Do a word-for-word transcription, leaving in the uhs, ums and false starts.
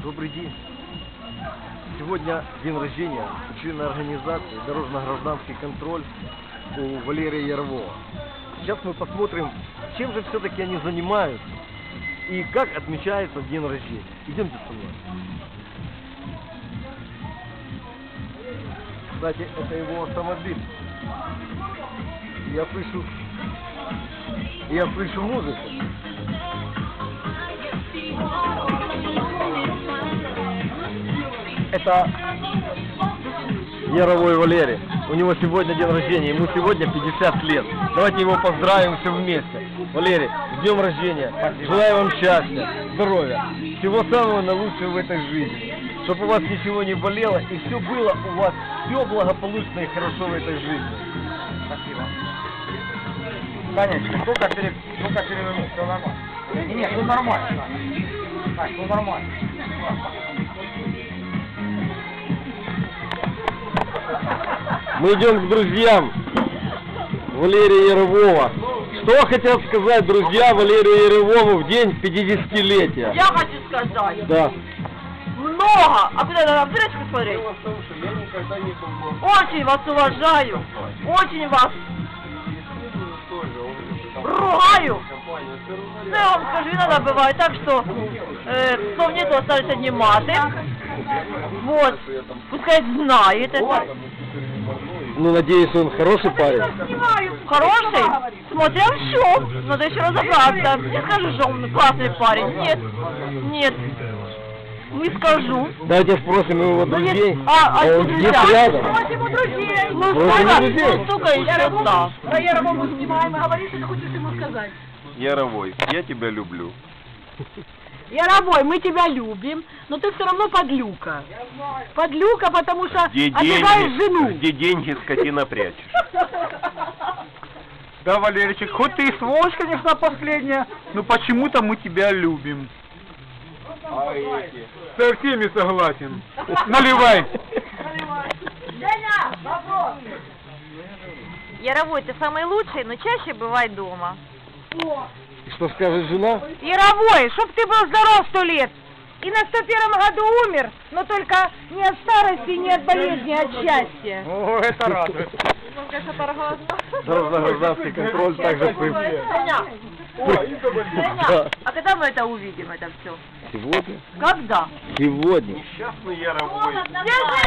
Добрый день. Сегодня день рождения члена организации «Дорожно-гражданский контроль» у Валерия Ярового. Сейчас мы посмотрим, чем же все-таки они занимаются и как отмечается день рождения. Идемте со мной. Кстати, это его автомобиль. Я слышу, я слышу музыку. Это Яровой Валерий. У него сегодня день рождения, ему сегодня пятьдесят лет. Давайте его поздравим все вместе. Валерий, с днем рождения. Желаю вам счастья, здоровья, всего самого наилучшего в этой жизни. Чтобы у вас ничего не болело и все было у вас, все благополучно и хорошо в этой жизни. Спасибо. Конечно, только перед, только перевернуть, все нормально. Не, нет, все нормально. Так, все нормально. Мы идем к друзьям Валерия Ярового. Что хотят сказать друзья Валерию Яровому в день пятидесятилетия? Я хочу сказать. Да. Много. А куда надо в дырочку смотреть? Очень вас уважаю. Очень вас ругаю. Ну, я вам скажу, иногда бывает так, что э, слов нету, остались одни маты. Вот. Пускай знает это. Ну, надеюсь, он хороший парень. Хороший? Смотря все. Надо еще разобраться. Не скажу, что он классный парень. Нет. Нет. Не скажу. Давайте спросим его Ну, есть- друзей. А, а он друзья? где рядом? Его друзей. Ну, Спросим столько, друзей. ну, столько еще да. Про Ярового снимаем, и говори, что ты хочешь ему сказать. Яровой, я тебя люблю. Яровой, мы тебя любим, но ты все равно подлюка. Подлюка, потому что Где обижаешь деньги, жену. где деньги, скотина, прячешь? Да, Валеричек, хоть ты и сволочь, конечно, последняя, но почему-то мы тебя любим. Со всеми согласен. Наливай. Яровой, ты самый лучший, но чаще бывай дома. И что скажет жена? Яровой, чтоб ты был здоров сто лет. И на сто первом году умер, но только не от старости, не от болезни, а от счастья. О, это радует. Дорожно-гражданский контроль также при... Женя, Да. а когда мы это увидим, это все? Сегодня? Когда? Сегодня. Несчастный Яровой.